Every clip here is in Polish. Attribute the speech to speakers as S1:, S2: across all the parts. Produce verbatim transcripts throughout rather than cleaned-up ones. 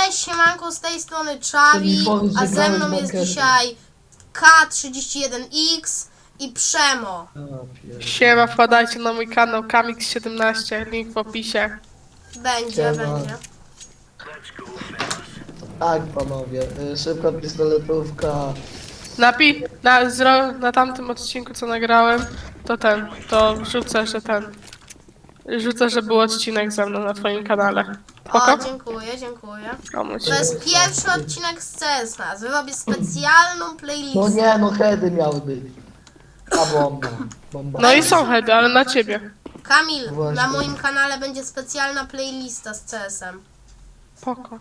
S1: Cześć, siemanko, z tej strony Czawi, a ze mną jest dzisiaj K trzydzieści jeden X i Przemo.
S2: Siema, wpadajcie na mój kanał Kamix siedemnaście, link w opisie.
S1: Będzie,
S3: Siema.
S1: będzie.
S3: Tak, panowie, y, szybka pistoletówka.
S2: Napi na, zro na tamtym odcinku, co nagrałem, to ten, to wrzucę, że ten. Rzucę, że był odcinek ze mną na twoim kanale.
S1: O,
S2: Spoko?
S1: dziękuję, dziękuję.
S2: Komuś.
S1: To jest pierwszy odcinek z C S na. Zrobię specjalną playlistę.
S3: No nie, no heady miały być. A bomba. Bomba.
S2: No i są heady, ale na ciebie.
S1: Kamil,
S3: Właśnie.
S1: na moim kanale będzie specjalna playlista z C S em.
S2: Spoko.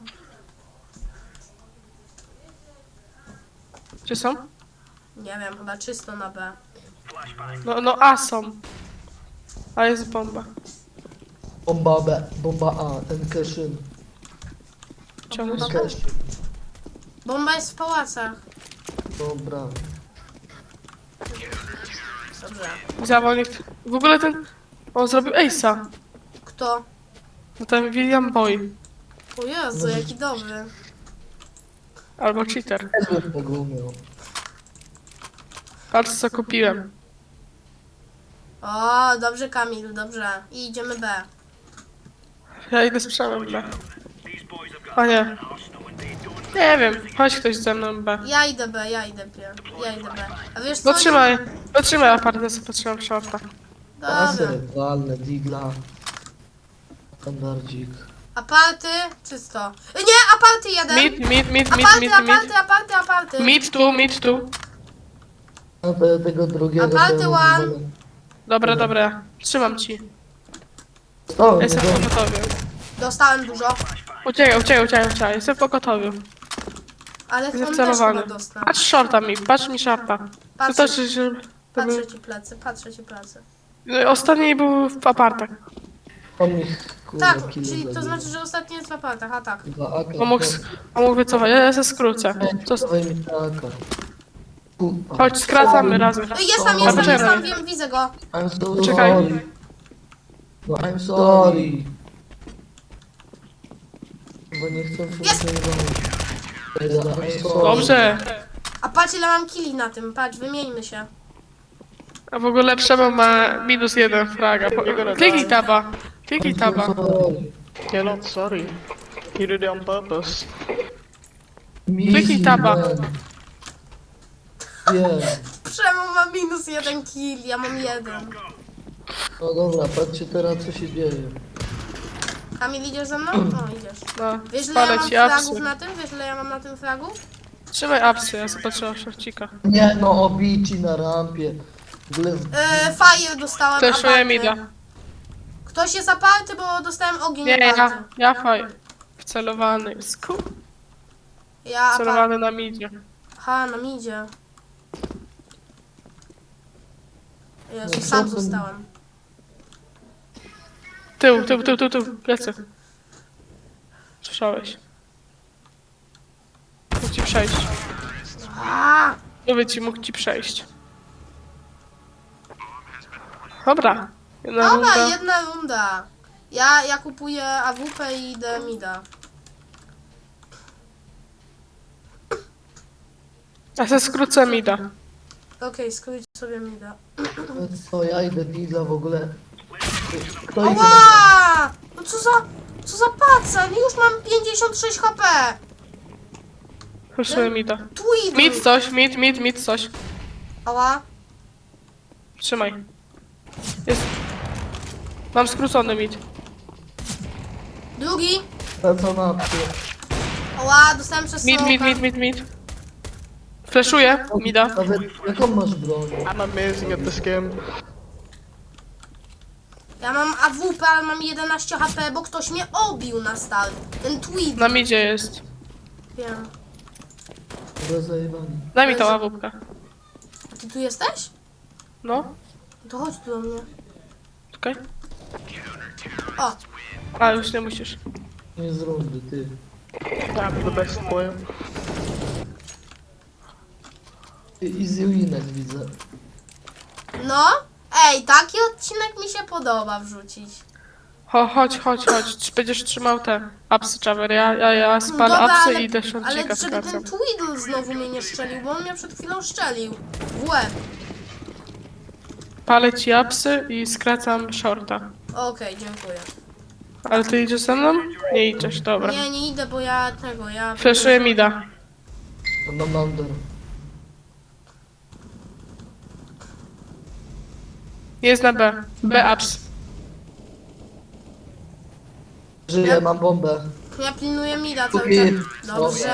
S2: Gdzie są?
S1: Nie wiem, chyba czysto na B.
S2: No, no A są. A jest bomba.
S3: Bomba B, bomba A, ten keszyn.
S2: Ciągle.
S3: Keszyn.
S1: Bomba jest w pałacach.
S3: Dobra.
S1: Dobrze.
S2: Zawolnik. W ogóle ten. On zrobił Ace'a.
S1: Kto?
S2: No ten William Boy.
S1: O Jezu, jaki dobry.
S2: Albo cheater.
S3: Też bym tego umiał.
S2: Patrz co kupiłem.
S1: O, dobrze Kamil, dobrze. I idziemy B.
S2: Ja idę z Przemem B. A nie. Nie wiem, chodź ktoś ze mną B.
S1: Ja idę B, ja idę B, ja idę B. A wiesz co?
S2: Potrzymaj, potrzymaj apartę, sobie potrzymam shorta.
S3: Pasy,
S1: Dobra.
S3: walne, digla. Standardzik.
S1: Aparty, czysto. Nie, aparty jeden.
S2: Mid, mid, mid, mid,
S1: Aparty,
S2: mid,
S1: aparty,
S2: mid.
S1: aparty, aparty.
S2: Mid tu, mid tu.
S3: No to ja tego drugiego...
S1: Aparty
S3: temu
S1: one.
S3: wolę.
S2: Dobra, dobra. Trzymam ci.
S3: Stałem,
S2: Jestem w
S3: no,
S2: pogotowiu.
S1: Dostałem dużo.
S2: Uciekaj, uciekaj, uciekaj, uciekaj. Jestem w pogotowiu.
S1: Ale on
S2: Jestem
S1: też chyba
S2: celowany.
S1: dostał.
S2: Patrz shorta mi, patrz mi shorta. To
S1: Patrzę,
S2: znaczy, że... To był...
S1: patrzę ci plecy, patrzę ci plecy.
S2: Ostatni był w apartach.
S3: on mi kurwa
S1: Tak,
S3: kilo
S1: czyli to
S3: zabił.
S1: znaczy, że ostatni jest w apartach, a tak.
S3: Dwa A K.
S2: On mógł, on mógł wycofać, ja się skrócę. Co,
S3: Dawaj mi taka. Kurwa.
S2: chodź, skracamy razem.
S1: Ej, jest tam, jest tam,
S2: Poczekaj.
S1: jest tam, wiem, widzę go.
S3: I'm so
S2: Czekaj.
S3: sorry. No I'm sorry. Bo nie chcę
S1: Jest!
S3: funkcjonować.
S2: Dobrze.
S1: A patrz ile mam killi na tym, patrz, wymieńmy się.
S2: A w ogóle Przemo ma minus jeden fraga. Po- Kliknij taba. Kliknij taba.
S4: You're not sorry. You did it on purpose.
S2: Kliknij taba.
S3: Nie.
S1: Przemo ma minus jeden kill, ja mam jeden.
S3: No dobra, patrzcie teraz co się dzieje.
S1: Kamil, idziesz ze mną? No, idziesz.
S2: No,
S1: Wiesz ile ja
S2: spalę
S1: mam
S2: ci
S1: fragów
S2: apsy.
S1: na tym? Wiesz ile ja mam na tym fragów?
S2: Trzymaj apsy, ja zobaczyłam szorcika.
S3: Nie no, obici na rampie. W ogóle w...
S1: Yy, fire dostałem,
S2: Fleszuję
S1: aparty.
S2: mida.
S1: Ktoś jest aparty, bo dostałem ogień
S2: Nie,
S1: aparty.
S2: ja, ja faj. Wcelowany. Sku.
S1: Ja aparty.
S2: Wcelowany na midzie.
S1: Aha, na midzie. Jezu,
S3: No,
S1: sam
S3: co to-
S1: zostałem.
S2: Tył, tył, tył, tył, tył. Plecy. Słyszałeś. Mógł ci przejść.
S1: A,
S2: Mówię ci, mógł ci przejść. Dobra. Jedna
S1: dobra,
S2: runda.
S1: jedna runda. Ja, ja kupuję A W P i idę mida.
S2: Ja se skrócę mida.
S1: Okej, skróć sobie mida.
S3: No co, ja idę digla w ogóle. Kto idzie?
S1: Ała! No co za... Co za paca? Już mam pięćdziesiąt sześć H P.
S2: Fleszuję mida.
S1: Tweed.
S2: Mid coś, mid, mid, mid coś.
S1: Ała.
S2: Trzymaj. Jest. Mam skrócony mid.
S1: Drugi.
S3: Wraca na apkę.
S1: Ała, dostałem przez
S2: Mid, mid,
S1: smoka.
S2: mid, mid, mid. Fleszuję, mida.
S3: Nawet jaką masz broń?
S4: I'm amazing at this game.
S1: Ja mam A W P, ale mam jedenaście H P, bo ktoś mnie obił na start. Ten tweet.
S2: Na midzie jest.
S1: Wiem.
S3: Dobra, zajebany.
S2: Daj mi tą ławówkę.
S1: A ty tu jesteś?
S2: No,
S1: To chodź tu do mnie.
S2: czekaj.
S1: O,
S2: A, już nie musisz.
S3: Nie z rundy, ty.
S4: I'm the best player.
S3: Ty easy winek widzę.
S1: no. Ej, taki odcinek mi się podoba wrzucić.
S2: Cho, chodź, chodź, chodź. Czy będziesz trzymał te apsy, Czawer? Ja, ja, ja spalę
S1: Dobra,
S2: apsy
S1: ale,
S2: i idę
S1: ale
S2: shortcika
S1: żeby
S2: skracam.
S1: ten Twiddle znowu mnie nie szczelił, bo on mnie przed chwilą szczelił. W łeb.
S2: Palę ci apsy i skracam shorta.
S1: Okej, dziękuję.
S2: Ale ty idziesz ze mną? Nie idziesz, dobra.
S1: Nie, nie idę, bo ja tego, ja...
S2: Flashuję mida.
S3: To mam under.
S2: Jest na B. B ups.
S3: Żyję, mam bombę.
S1: Ja pilnuję mida cały
S3: Kupi.
S1: czas. Dobrze.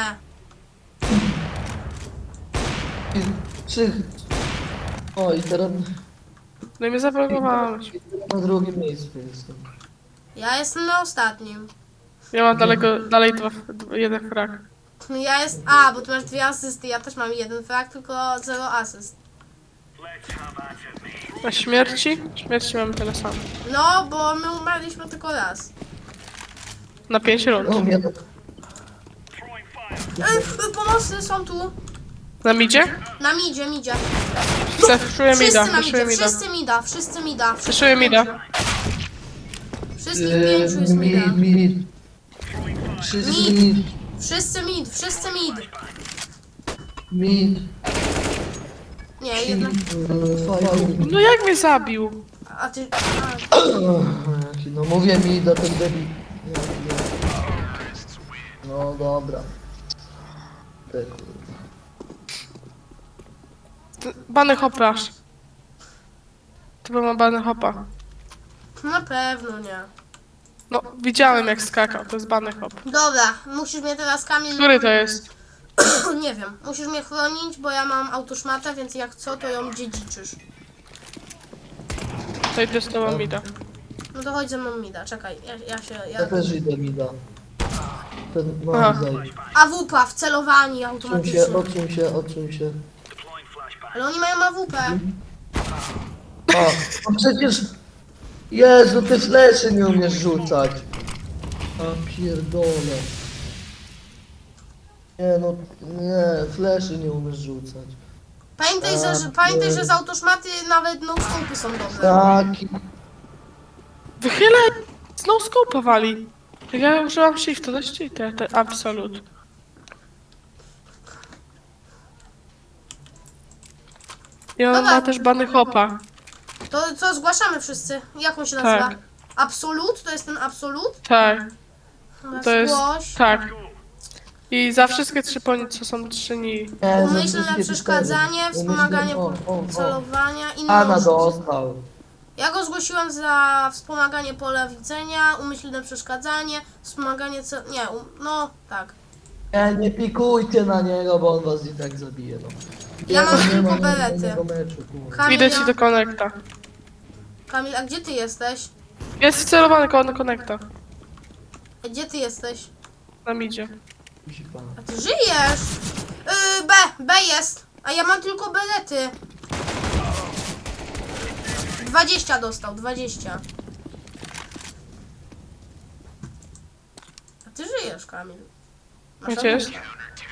S3: I trzy... O, i teraz
S2: No i mnie zablokowałeś.
S3: na drugim miejscu jestem.
S1: Ja jestem na ostatnim.
S2: Ja mam daleko, dalej dwa, dwa, jeden frag.
S1: Ja jest... A, bo ty masz dwie asysty, ja też mam jeden frag, tylko zero asyst.
S2: Na śmierci? Śmierci mamy tyle samo.
S1: No, bo my umarliśmy tylko raz.
S2: Na pięć rund.
S3: No, mnie...
S1: Ej, pomocy są tu.
S2: Na midzie?
S1: Na midzie, midzie.
S2: Flashuję
S1: Wszyscy
S2: mida,
S1: na
S2: flashuję
S1: midzie,
S2: mida.
S1: wszyscy mida, wszyscy mida.
S2: Flashuję mida.
S1: Wszystkich pięciu jest mida.
S3: Mid, mid. Wszyscy
S1: Mid.
S3: mid.
S1: Wszyscy mid, wszyscy mid.
S3: Mid.
S1: Nie, jedna...
S3: Fajnie.
S2: No jak mnie zabił?
S1: A ty... A,
S3: Jaki, no mówię mi do ten debil. Jaki, no dobra. Te kurwa.
S2: T- Bany hopa aż. To był ma bany hopa.
S1: na pewno nie.
S2: No, widziałem jak skakał, to jest bany hop.
S1: Dobra, musisz mnie teraz, Kamil...
S2: Który to jest?
S1: Nie wiem, musisz mnie chronić, bo ja mam autoszmatę, więc jak co, to ją dziedziczysz.
S2: To idę z tobą mida.
S1: No to chodź ze mną mida, czekaj, ja, ja się...
S3: Ja
S1: Ja...
S3: też idę mida. Ten
S2: Aha.
S3: mam zajść.
S1: A W P, wcelowanie
S3: Odsuń się,
S1: automatycznie.
S3: odsuń się, odsuń się.
S1: Ale oni mają A W P.
S3: A, no przecież... Jezu, ty fleszy nie umiesz rzucać. A pierdolę. Nie no, nie, fleszy nie umiesz rzucać.
S1: Pamiętaj, że, że,
S3: A,
S1: pamiętaj,
S3: nie.
S1: że z autoszmaty nawet no scopy są dobre.
S3: Taki...
S2: Wychylę! Znowu scope'a wali. Jak ja użyłam shifta, to cheater, te absolut. I on
S1: Dobra.
S2: ma też bany hopa.
S1: To co, zgłaszamy wszyscy? Jak on się nazywa?
S2: Tak.
S1: Absolut? To jest ten absolut?
S2: Tak,
S1: Dobra,
S2: to jest...
S1: Zgłoś.
S2: Tak. I za wszystkie trzy poni, co są trzy ni.
S3: Nie, za
S1: Umyślne
S3: wszystkie
S1: przeszkadzanie,
S3: cztery.
S1: wspomaganie
S3: Umyślne- o, o, o.
S1: celowania i
S3: Ana
S1: noż.
S3: dostał.
S1: Ja go zgłosiłem za wspomaganie pola widzenia, umyślne przeszkadzanie, wspomaganie cel... Nie, um... no tak.
S3: Nie, nie pikujcie na niego, bo on was i tak zabije, no.
S1: Ja mam
S3: nie
S1: tylko
S3: ma
S1: berety.
S3: żadnego meczu, kurwa.
S1: Kamil,
S2: Idę
S1: ja...
S2: ci do konekta.
S1: Kamil, a gdzie ty jesteś?
S2: Jest wcelowany koło konekta.
S1: A gdzie ty jesteś?
S2: Na midzie.
S3: Kuźwa.
S1: A ty żyjesz! Yy, B, B jest! A ja mam tylko berety. dwadzieścia dostał, dwadzieścia. A ty żyjesz, Kamil. Masz
S2: Gdzie jest?
S1: awukę.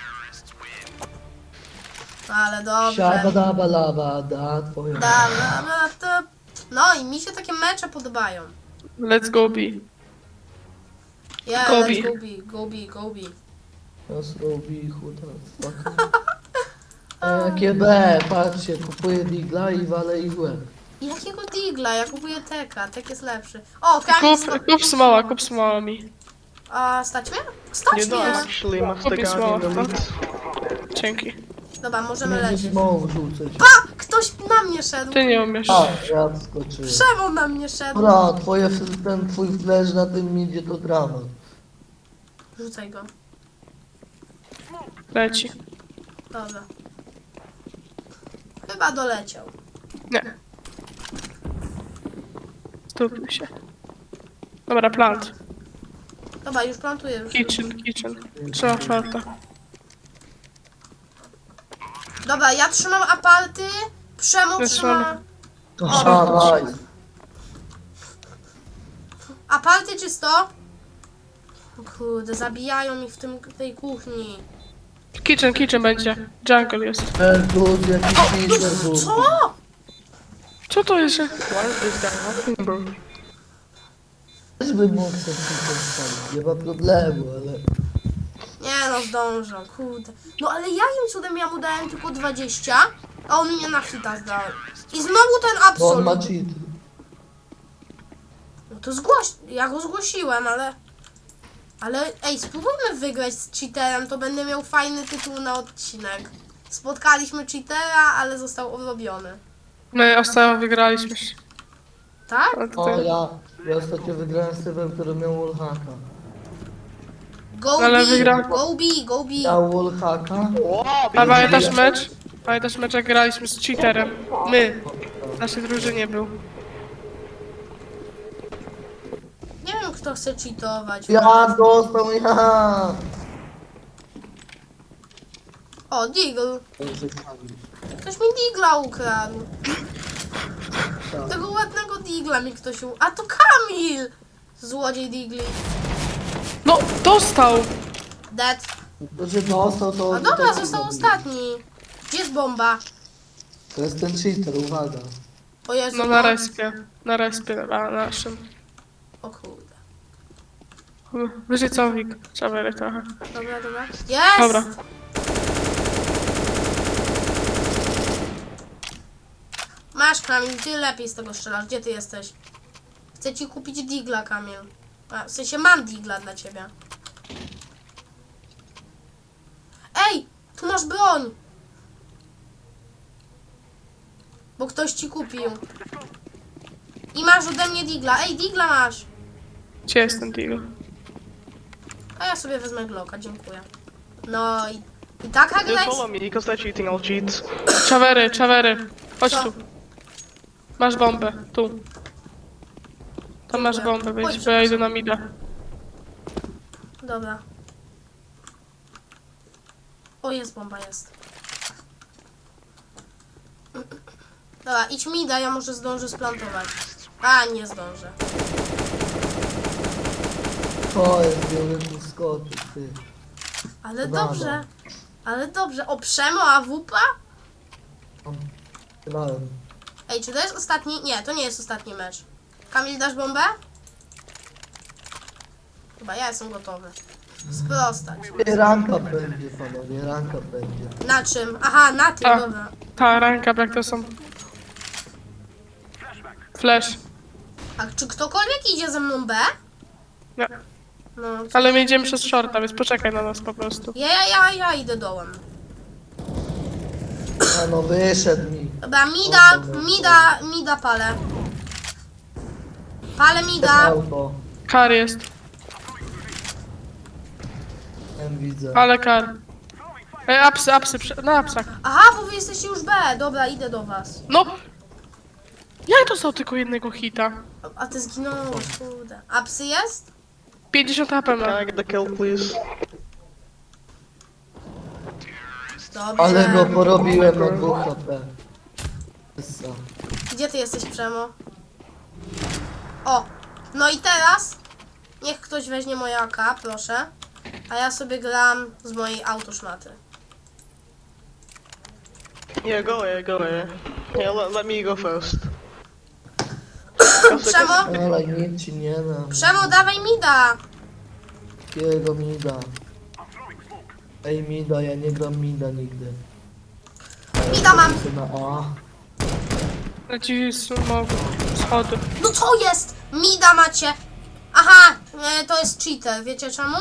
S1: Ale dobrze.
S3: Siabadaba laba, da, twoja.
S1: Dobra, no to... No i mi się takie mecze podobają.
S2: Let's go B.
S1: Yeah,
S2: Go
S1: let's
S2: B.
S1: go B, go B, go B.
S3: Nas robi chuda, fuck. E, Jakie B, patrzcie, kupuję digla i walę ich w łeb.
S1: Jakiego digla? Ja kupuję teka, tek jest lepszy. O, Kamil, sto...
S2: Kup, kup smoła, kup smoła mi.
S1: A, stać mnie? Stać
S2: Nie
S1: mnie!
S2: da.
S4: Actually, must
S2: Kupię
S4: have
S2: smoła.
S4: gotten the lead.
S2: Dzięki.
S1: Dobra, możemy
S3: Będzie
S1: lecieć.
S3: znowu rzucać.
S1: A! Ktoś na mnie szedł!
S2: Ty nie umiesz.
S3: A, ja wskoczyłem.
S1: Przemo na mnie szedł!
S3: Dobra, twoje, ten twój flash na tym idzie to dramat.
S1: Rzucaj go.
S2: Leci.
S1: Dobra. Chyba doleciał.
S2: Nie. Stupił się. Dobra, plant.
S1: Dobra, już plantuję. Już.
S2: Kitchen, kitchen. Trzeba shorta.
S1: Dobra, ja trzymam aparty, Przemo
S2: Ja
S1: trzyma...
S3: Aha, nice.
S1: Aparty czysto? Kurde, zabijają mi w tym, tej kuchni.
S2: Kitchen, kitchen będzie. Jungle jest.
S3: Ten plus jakiś mister był.
S1: Co?
S2: Co to jest?
S4: Why is this guy hacking, bro?
S3: Też bym mógł sobie postawić, nie ma problemu, ale...
S1: Nie no, zdążę, kurde. No ale jakim cudem ja mu dałem tylko dwadzieścia, a on mnie na hita zdał. I znowu ten
S3: Bo on ma
S1: absolut.
S3: cheat.
S1: No to zgłoś, ja go zgłosiłem, ale... Ale ej, spróbujmy wygrać z cheaterem, to będę miał fajny tytuł na odcinek. Spotkaliśmy cheatera, ale został obrobiony.
S2: My ostatnio wygraliśmy.
S1: Tak?
S2: Ale to
S3: O,
S2: tak.
S3: ja, ja ostatnio wygrałem z typem, który miał wallhacka.
S1: Go
S2: Ale
S1: B,
S2: wygra-
S1: go B, go B.
S3: Miał wallhacka.
S4: Wow,
S2: A pamiętasz mecz? Pamiętasz mecz, jak graliśmy z cheaterem? My. W naszej drużynie był.
S1: Nie wiem, kto chce cheatować.
S3: Ja dostał, ja!
S1: O, Deagle. Ktoś mi Digla ukradł. Tego ładnego Digla mi ktoś u... A to Kamil! Złodziej Digli.
S2: No, dostał!
S1: Dead.
S3: To, że dostał, to...
S1: A dobra,
S3: tak
S1: został
S3: zrobił.
S1: ostatni. Gdzie jest bomba?
S3: To jest ten cheater, uwaga.
S1: O Jezu,
S2: No na respie. Na respie na naszym.
S1: O kurde.
S2: Wyżej całowik. Trzeba trochę.
S1: Dobra, dobra. Jest!
S2: Dobra.
S1: Masz, Kamil, ty lepiej z tego strzelasz. Gdzie ty jesteś? Chcę ci kupić Digla, Kamil. A, w sensie mam Digla dla ciebie. Ej! Tu masz broń! Bo ktoś ci kupił. I masz ode mnie Digla. Ej, Digla masz!
S2: Gdzie jest ten deal?
S1: A ja sobie wezmę Glocka, dziękuję. No i... I taka gra
S4: Just
S1: jest...
S4: follow me, because they're cheating, I'll cheat.
S2: Czawery, czawery. Chodź
S1: Co?
S2: tu. Masz bombę. Tu. Tam masz
S1: Dziękuję.
S2: bombę,
S1: Chodź.
S2: więc bo ja idę na mida.
S1: Dobra. O, jest bomba, jest. Dobra, idź mi da, ja może zdążę splantować. A, nie zdążę.
S3: To jest wielki skoczyk, ty.
S1: Ale
S3: Brawo.
S1: dobrze. Ale dobrze. O, Przemo, a wupa?
S3: Grałem.
S1: Ej, czy to jest ostatni? Nie, to nie jest ostatni mecz. Kamil, dasz bombę? Chyba ja jestem gotowy. Sprostać.
S3: Ranka będzie, panowie, ranka będzie.
S1: Na czym? Aha, na tym,
S2: A.
S1: dobra.
S2: Ta ręka, jak to są. Flash.
S1: A czy ktokolwiek idzie ze mną B?
S2: Nie.
S1: No,
S2: Ale my idziemy przez shorta, więc poczekaj na nas po prostu.
S1: ja, ja, ja, ja idę dołem.
S3: A no, wyszedł mi.
S1: Dobra, mida, mida, mida palę. Palę
S3: Jest
S1: mida.
S3: auto.
S2: Kar jest.
S3: Ten widzę.
S2: Ale kar. Ej, apsy, apsy, prze- na apsach.
S1: Aha, bo wy jesteście już B. Dobra, idę do was.
S2: No! Jak dostał tylko jednego hita?
S1: A, a ty zginąłeś, kurde. A psy jest?
S2: pięćdziesiąt H P ma.
S4: Can I get the kill, please?
S1: Dobrze.
S3: Ale go porobiłem na dwóch H P. Essa.
S1: Gdzie ty jesteś, Przemo? O, no i teraz niech ktoś weźmie moje A K, proszę. A ja sobie gram z mojej autoszmaty.
S4: Yeah, go away, go away. Yeah, let, let me go first.
S1: Przemo,
S3: Ale nic ci nie dam.
S1: Przemo, dawaj mida.
S3: Jakiego mida? Ej, mida, ja nie gram mida nigdy.
S1: Mida mam.
S3: Chcę na A.
S2: Leci smog, schody.
S1: No co jest? Mida macie. Aha, e, to jest cheater, wiecie czemu?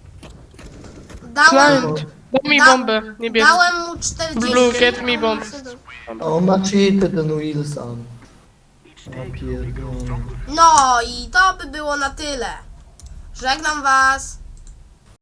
S1: Dałem,
S2: Client. Daj mi
S1: Da-
S2: bombę, niebieski.
S1: dałem mu czterdzieści.
S2: Blue, get me bomb.
S3: A on ma cheaty, ten Wilson. Ja pierdolę.
S1: No i to by było na tyle. Żegnam was.